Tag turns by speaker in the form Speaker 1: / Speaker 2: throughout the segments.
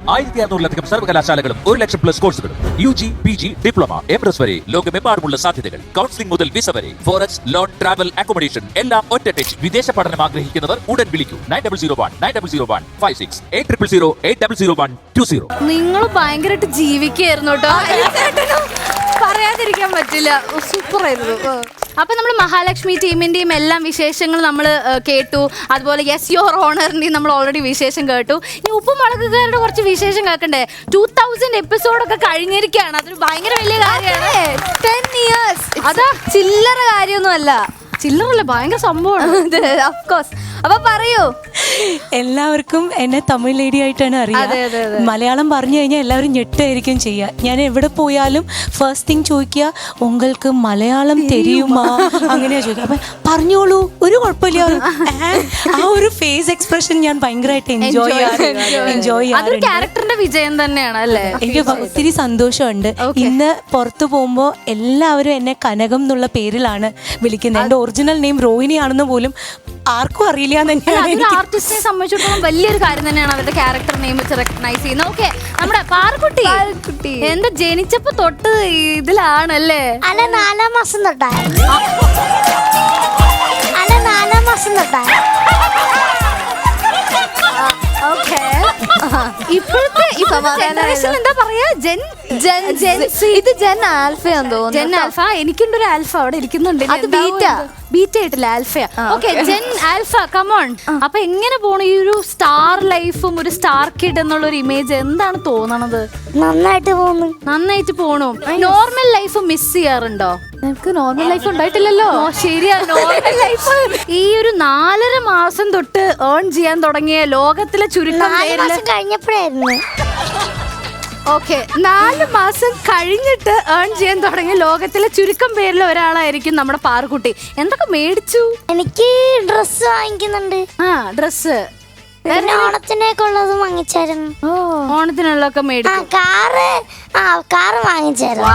Speaker 1: 1600-ലധികം സർവകലാശാലകളും 1,00,000+ കോഴ്സുകളും UG, PG, diploma, MS വരെ ലോകമെമ്പാടുമുള്ള സാധ്യതകൾ. കൗൺസിലിംഗ് മുതൽ വിസ വരെ. ഫോറക്സ്, ലോൺ, ട്രാവൽ, അക്കോമഡേഷൻ എല്ലാം ഒറ്റ ടച്ച്. വിദേശ പഠനം ആഗ്രഹിക്കുന്നവർ ഉടൻ വിളിക്കൂ 9001-9001-56 800800-800120.
Speaker 2: നിങ്ങൾ ഭയങ്കരമായിട്ട് ജീവിക്കായിരുന്നു കേട്ടോ. പറയാതിരിക്കാൻ പറ്റില്ല. സൂപ്പർ ആയിരുന്നു. അപ്പൊ നമ്മൾ മഹാലക്ഷ്മി ടീമിന്റെയും എല്ലാം വിശേഷങ്ങൾ നമ്മൾ കേട്ടു. അതുപോലെ യെസ് യുവർ ഓണറിന്റെയും നമ്മൾ ഓൾറെഡി വിശേഷം കേട്ടു. ഇനി ഉപ്പുമുളകുകാരുടെ കുറച്ച് വിശേഷം കേൾക്കണ്ടേ? 2000 എപ്പിസോഡൊക്കെ കഴിഞ്ഞിരിക്കുകയാണ്. അതൊരു ഭയങ്കര വലിയ കാര്യമാണ്. 10 years. അതാ ചില്ലറ കാര്യമൊന്നുമല്ല. ചില്ലറല്ല, ഭയങ്കര സംഭവമാണ്. ഓഫ്കോഴ്സ്. അപ്പൊ പറയൂ.
Speaker 3: എല്ലാവർക്കും എന്നെ തമിഴ് ലേഡി ആയിട്ടാണ് അറിയാം. മലയാളം പറഞ്ഞു കഴിഞ്ഞാൽ എല്ലാവരും ഞെട്ടായിരിക്കും ചെയ്യുക. ഞാൻ എവിടെ പോയാലും ഫസ്റ്റ് തിങ് ചോദിക്കുക, ഉങ്ങൾക്ക് മലയാളം തെരിയുമാ, അങ്ങനെയാ ചോദിക്കുക. അപ്പൊ പറഞ്ഞോളൂ, ഒരു കുഴപ്പമില്ല. ആ ഒരു ഫേസ് എക്സ്പ്രഷൻ ഞാൻ ഭയങ്കരമായിട്ട് എൻജോയ് ചെയ്യാറുണ്ട്.
Speaker 2: ക്യാരക്ടറിന്റെ വിജയം തന്നെയാണ് അല്ലേ?
Speaker 3: എനിക്ക് ഒത്തിരി സന്തോഷമുണ്ട്. ഇന്ന് പുറത്തു പോകുമ്പോ എല്ലാവരും എന്നെ കനകം എന്നുള്ള പേരിലാണ് വിളിക്കുന്നത്. എന്റെ ഒറിജിനൽ നെയിം റോഹിണി ആണെന്ന് പോലും ആർക്കും അറിയില്ല.
Speaker 2: ആർട്ടിസ്റ്റിനെ സംബന്ധിച്ചിടത്തോളം വലിയൊരു കാര്യം തന്നെയാണ് അവരുടെ ക്യാരക്ടർ നെയിം വെച്ച് റെക്കഗ്നൈസ് ചെയ്യുന്നത്. ഓക്കെ, നമ്മുടെ പാർക്കുട്ടി എന്താ ജനിച്ചപ്പോ തൊട്ട് ഇതിലാണല്ലേ?
Speaker 4: അല്ല 4 മാസം തൊട്ടായി. അല്ല 4 മാസം തൊട്ടായി.
Speaker 2: ഇപ്പോഴത്തെ ജനറേഷൻ എന്താ പറയാ? ഇത് ജെൻ ആൽഫയാന്ന് തോന്നുന്നു. Gen alpha. എനിക്കുണ്ടൊരു ആൽഫ അവിടെ ഇരിക്കുന്നുണ്ട്. അത് ബീറ്റ ആയിട്ടില്ല, ആൽഫയാ. Okay, gen alpha, come on. അപ്പൊ എങ്ങനെ പോണു ഈ ഒരു സ്റ്റാർ ലൈഫും ഒരു സ്റ്റാർ കിഡ് എന്നുള്ള ഒരു ഇമേജ്? എന്താണ് തോന്നണത്? നന്നായിട്ട് പോണു. നോർമൽ ലൈഫ് മിസ് ചെയ്യാറുണ്ടോ? നമുക്ക് നോർമൽ ലൈഫ് ഉണ്ടായിട്ടില്ലല്ലോ. ശരിയാ, നോർമൽ ലൈഫ് ഈ ഒരു 4.5 മാസം തൊട്ട് ഏൺ ചെയ്യാൻ തുടങ്ങിയ ലോകത്തിലെ ചുരുക്കം
Speaker 4: കഴിഞ്ഞപ്പോഴായിരുന്നു.
Speaker 2: ഓക്കെ, 4 മാസം കഴിഞ്ഞിട്ട് ഏൺ ചെയ്യാൻ തുടങ്ങിയ ലോകത്തിലെ ചുരുക്കം പേരിൽ ഒരാളായിരിക്കും നമ്മുടെ പാറുക്കുട്ടി. എന്തൊക്കെ മേടിച്ചു?
Speaker 4: എനിക്ക് ഡ്രസ് വാങ്ങിക്കുന്നുണ്ട്.
Speaker 2: ഡ്രസ്
Speaker 4: ഓണത്തിനൊക്കെ ഉള്ളത് വാങ്ങിച്ചായിരുന്നു.
Speaker 2: ഓണത്തിനുള്ളതൊക്കെ മേടിച്ചു.
Speaker 4: കാറ് വാങ്ങിച്ചായിരുന്നു.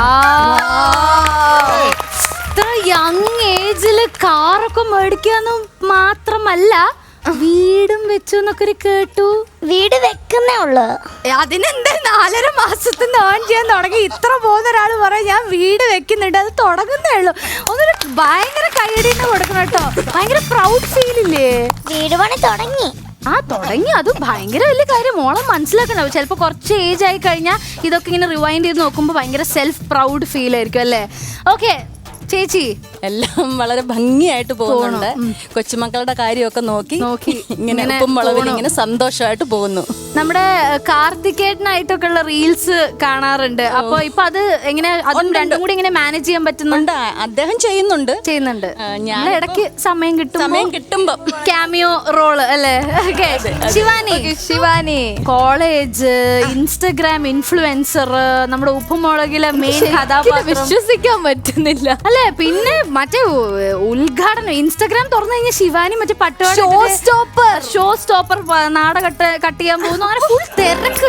Speaker 2: ഇത്ര യങ് ഏജില് കാറൊക്കെ മേടിക്കാന്നും മാത്രമല്ല വീടും വെച്ചു എന്നൊക്കെ കേട്ടു.
Speaker 4: വീട് വെക്കുന്നേ ഉള്ളു.
Speaker 2: അതിനെന്താ 4.5 മാസത്തിന് ഏൺ ചെയ്യാൻ തുടങ്ങി ഇത്ര പോകുന്ന ഒരാള് പറയാം ഞാൻ വീട് വെക്കുന്നുണ്ട്, അത് തുടങ്ങുന്നേ ഉള്ളു. ഒന്നൊരു ഭയങ്കര കൈയടിന്ന് കൊടുക്കണം കേട്ടോ. ഭയങ്കര പ്രൗഡ് ഫീൽ ഇല്ലേ?
Speaker 4: വീട് പണി തുടങ്ങി.
Speaker 2: തുടങ്ങി. അത് ഭയങ്കര വലിയ കാര്യം. മോളം മനസ്സിലാക്കണം. ചിലപ്പോൾ കുറച്ച് ഏജ് ആയി കഴിഞ്ഞാൽ ഇതൊക്കെ ഇങ്ങനെ റിവൈൻഡ് ചെയ്ത് നോക്കുമ്പോൾ ഭയങ്കര സെൽഫ് പ്രൗഡ് ഫീൽ ആയിരിക്കും അല്ലേ? ഓക്കെ ചേച്ചി,
Speaker 5: എല്ലാം വളരെ ഭംഗിയായിട്ട് പോകുന്നുണ്ട്. കൊച്ചുമക്കളുടെ കാര്യമൊക്കെ നോക്കി ഇങ്ങനെ ഉപ്പും മുളകിൽ ഇങ്ങനെ സന്തോഷമായിട്ട് പോകുന്നു.
Speaker 2: നമ്മുടെ കാർത്തികേട്ടനായിട്ടൊക്കെ ഉള്ള റീൽസ് കാണാറുണ്ട്. അപ്പൊ ഇപ്പൊ അത് എങ്ങനെ രണ്ടും കൂടി ഇങ്ങനെ മാനേജ് ചെയ്യാൻ പറ്റുന്നുണ്ട്?
Speaker 5: അദ്ദേഹം ചെയ്യുന്നുണ്ട്.
Speaker 2: ഞാൻ ഇടയ്ക്ക് സമയം
Speaker 5: കിട്ടുമ്പോ
Speaker 2: ക്യാമിയോ റോള് അല്ലേ? ശിവാനി കോളേജ്, ഇൻസ്റ്റഗ്രാം ഇൻഫ്ലുവൻസർ, നമ്മുടെ ഉപ്പുമുളകിലെ മെയിൻ കഥാപാത്രം. വിശ്വസിക്കാൻ പറ്റുന്നില്ല അല്ലേ? പിന്നെ മറ്റേ ഉദ്ഘാടനം ഇൻസ്റ്റഗ്രാം തുറന്നു കഴിഞ്ഞാൽ ശിവാനി മറ്റേ പട്ടുപാടി ഷോ സ്റ്റോപ്പർ നാട കട്ട് ചെയ്യാൻ പോകുന്നു. അങ്ങനെ ഫുൾ തിരക്ക്.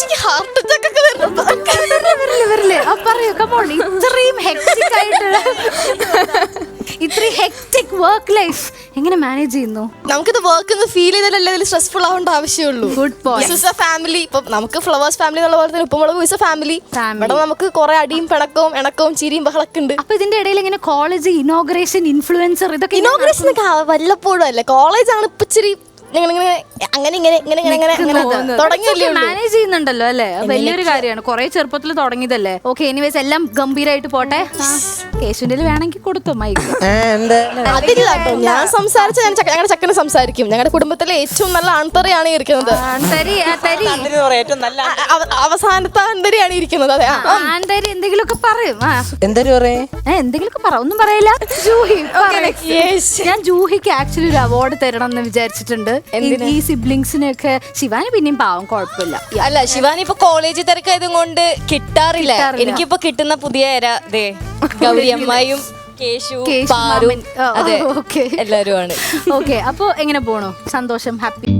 Speaker 2: പറയൂ, കമോൺ. ഇത്രയും ഹെക്ടിക് ആയിട്ടുള്ള ഇത്രയും ഹെക്ടിക് വർക്ക് ലൈഫ് എങ്ങനെ മാനേജ് ചെയ്യുന്നു?
Speaker 6: നമുക്കിത് വർക്ക് എന്ന് ഫീൽ ചെയ്താലല്ലേ ഇതിൽ സ്ട്രെസ്ഫുൾ ആവേണ്ട ആവശ്യമുള്ളൂ.
Speaker 2: Good point.
Speaker 6: ഫാമിലി ഇപ്പൊ നമുക്ക് ഫ്ലവേഴ്സ് ഫാമിലി എന്നുള്ള പോലെ തന്നെ ഉപ്പുമുളക് ഇസ് എ ഫാമിലി. ഇവിടെ നമുക്ക് കുറെ അടിയും പിണക്കവും ഇണക്കവും ചിരിയും ബഹളൊക്കെ ഉണ്ട്.
Speaker 2: അപ്പൊ ഇതിന്റെ ഇടയിൽ ഇങ്ങനെ കോളേജ് ഇനോഗ്രേഷൻ, ഇൻഫ്ലുവൻസർ, ഇതൊക്കെ
Speaker 6: ഇനോഗ്രേഷൻ ഒക്കെ വല്ലപ്പോഴും അല്ലേ. കോളേജാണ് ഇപ്പൊ ഇച്ചിരി
Speaker 2: മാനേജ് ചെയ്യുന്നുണ്ടല്ലോ അല്ലേ? വലിയൊരു കാര്യമാണ്. കുറെ ചെറുപ്പത്തിൽ തുടങ്ങിയതല്ലേ? ഓക്കെ, എനിവേസ് എല്ലാം ഗംഭീരായിട്ട് പോട്ടെ. കേശുവിന്റെ വേണമെങ്കിൽ കൊടുത്തോ മൈക്ക്?
Speaker 6: ഞാൻ സംസാരിച്ച ഞങ്ങളുടെ ചക്കനെ സംസാരിക്കും. ഞങ്ങളുടെ കുടുംബത്തിലെ ഏറ്റവും നല്ല ആൺതറിയാണ് ഇരിക്കുന്നത്. അവസാനത്തെ ആൺതരിയാണ് ഇരിക്കുന്നത്. അതെ,
Speaker 2: ആൺതരി എന്തെങ്കിലുമൊക്കെ പറയും. എന്തെങ്കിലുമൊക്കെ പറ. ഒന്നും പറയില്ല. ഞാൻ ജൂഹിക്ക് ആക്ച്വലി ഒരു അവാർഡ് തരണം എന്ന് വിചാരിച്ചിട്ടുണ്ട്. ഈ സിബ്ലിങ്സിനൊക്കെ. ശിവാനി പിന്നെയും പാവം, കുഴപ്പമില്ല.
Speaker 5: അല്ല, ശിവാനി ഇപ്പൊ കോളേജ് തിരക്കായതും കൊണ്ട് കിട്ടാറില്ല. എനിക്കിപ്പോ കിട്ടുന്ന പുതിയ ഗൗരി അമ്മായും കേശു, പാരു, അതെ, എല്ലാരും ആണ്.
Speaker 2: ഓക്കെ, അപ്പൊ എങ്ങനെ പോണു? സന്തോഷം, ഹാപ്പി?